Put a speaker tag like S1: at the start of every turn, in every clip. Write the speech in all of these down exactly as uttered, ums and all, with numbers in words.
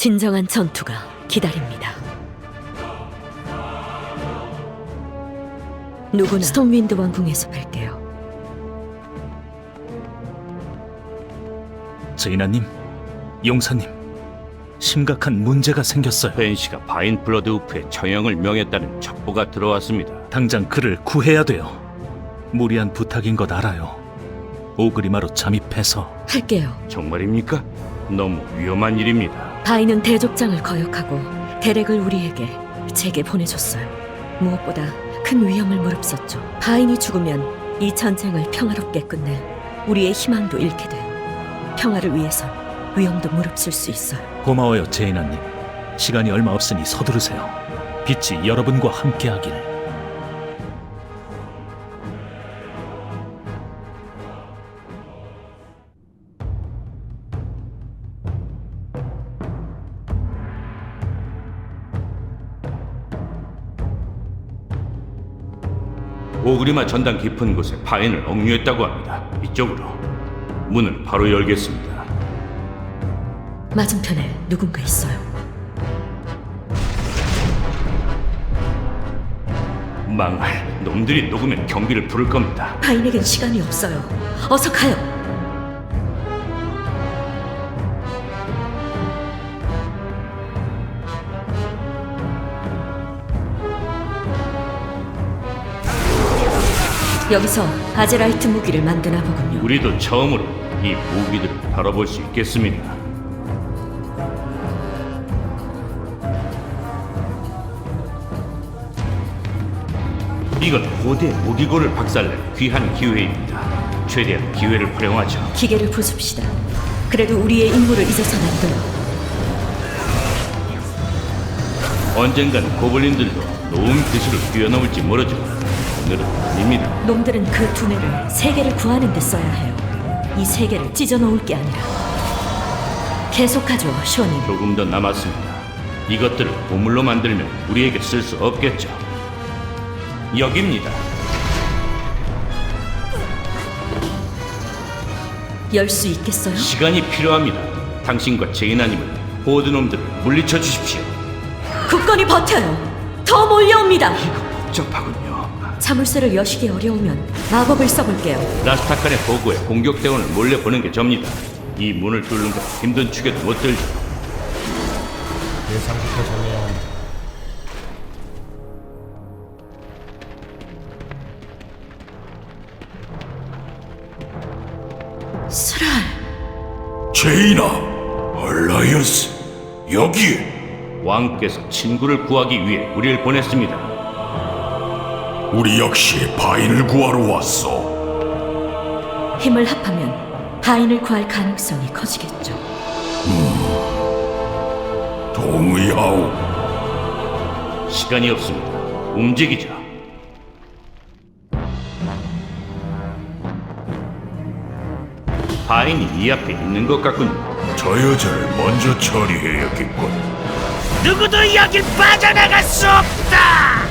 S1: 진정한 전투가 기다립니다. 누구나 스톰윈드 왕궁에서 뵐게요.
S2: 제이나님, 용사님, 심각한 문제가 생겼어요.
S3: 벤시가 바인 블러드 우프에 처형을 명했다는 첩보가 들어왔습니다.
S2: 당장 그를 구해야 돼요. 무리한 부탁인 것 알아요. 오그리마로 잠입해서.
S1: 할게요.
S3: 정말입니까? 너무 위험한 일입니다.
S1: 바인은 대족장을 거역하고 대렉을 우리에게 제게 보내줬어요. 무엇보다 큰 위험을 무릅썼죠. 바인이 죽으면 이 전쟁을 평화롭게 끝낼 우리의 희망도 잃게 돼요. 평화를 위해선 위험도 무릅쓸 수 있어요.
S2: 고마워요, 제이나님. 시간이 얼마 없으니 서두르세요. 빛이 여러분과 함께하길.
S3: 오그리마 전당 깊은 곳에 바인을 억류했다고 합니다. 이쪽으로. 문을 바로 열겠습니다.
S1: 맞은편에 누군가 있어요.
S3: 망할. 놈들이 녹으면 경비를 부를 겁니다.
S1: 바인에겐 시간이 없어요. 어서 가요. 여기서 아제라이트 무기를 만드나 보군요.
S3: 우리도 처음으로 이 무기들을 다뤄볼 수 있겠습니다. 이건 고대 무기고를 박살낼 귀한 기회입니다. 최대한 기회를 활용하죠.
S1: 기계를 부숩시다. 그래도 우리의 임무를 잊어서는 안 돼요.
S3: 언젠간 고블린들도 노은 기술을 뛰어넘을지 모르죠. 오늘은 아닙니다.
S1: 놈들은 그 두뇌를 세계를 구하는 데 써야 해요. 이 세계를 찢어놓을 게 아니라. 계속하죠, 쇼님.
S3: 조금 더 남았습니다. 이것들을 보물로 만들면 우리에게 쓸 수 없겠죠. 여기입니다.
S1: 열 수 있겠어요?
S3: 시간이 필요합니다. 당신과 제이나님은 호드놈들을 물리쳐 주십시오.
S1: 굳건히 버텨요. 더 몰려옵니다.
S3: 이거 복잡하군요.
S1: 자물쇠를 여시기 어려우면 마법을 써볼게요.
S3: 라스타칸의 보고에 공격대원을 몰래 보는 게 접니다. 이 문을 뚫는 건 힘든 축에도 못 들죠.
S4: 예상부터 정해야 한다.
S1: 스랄.
S5: 제이나, 알라이언스, 여기에.
S3: 왕께서 친구를 구하기 위해 우리를 보냈습니다.
S5: 우리 역시 바인을 구하러 왔어.
S1: 힘을 합하면 바인을 구할 가능성이 커지겠죠.
S5: 동의하오.
S3: 시간이 없습니다. 움직이자. 바인이 이 앞에 있는 것 같군요.
S5: 저 여자를 먼저 처리해야겠군.
S3: 누구도 여길 빠져나갈 수 없다!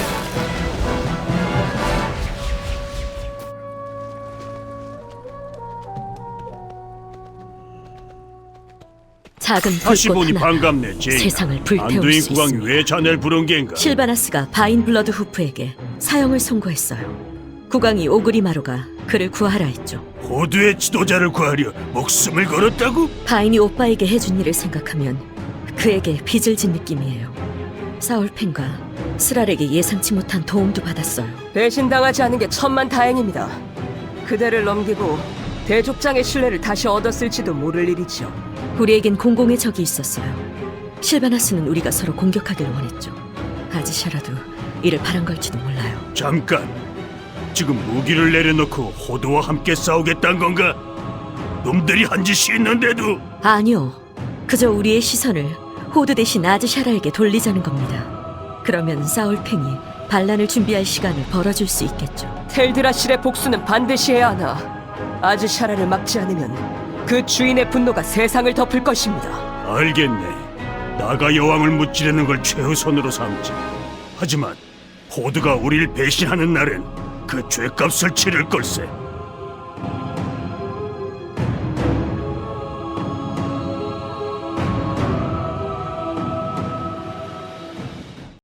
S1: 작은
S6: 다시
S1: 불꽃
S6: 보니
S1: 하나
S6: 반갑네, 제이나.
S1: 세상을 불태울
S6: 안두인
S1: 수
S6: 국왕이
S1: 있습니다.
S6: 왜 자네를 부른 겐가?
S1: 실바나스가 바인 블러드 후프에게 사형을 선고했어요. 국왕이 오그리마로가 그를 구하라 했죠.
S6: 호두의 지도자를 구하려 목숨을 걸었다고?
S1: 바인이 오빠에게 해준 일을 생각하면 그에게 빚을 진 느낌이에요. 사울펜과 스랄에게 예상치 못한 도움도 받았어요.
S7: 배신당하지 않은 게 천만 다행입니다. 그대를 넘기고 대족장의 신뢰를 다시 얻었을지도 모를 일이죠.
S1: 우리에겐 공공의 적이 있었어요. 실바나스는 우리가 서로 공격하길 원했죠. 아지샤라도 이를 바란 걸지도 몰라요.
S6: 잠깐. 지금 무기를 내려놓고 호두와 함께 싸우겠다는 건가? 놈들이 한 짓이 있는데도.
S1: 아니요. 그저 우리의 시선을 호드 대신 아즈샤라에게 돌리자는 겁니다. 그러면 사울팽이 반란을 준비할 시간을 벌어줄 수 있겠죠.
S7: 텔드라실의 복수는 반드시 해야 하나. 아즈샤라를 막지 않으면 그 주인의 분노가 세상을 덮을 것입니다.
S6: 알겠네. 나가 여왕을 무찌르는 걸 최우선으로 삼지. 하지만 호두가 우리를 배신하는 날엔 그 죄값을 치를 걸세.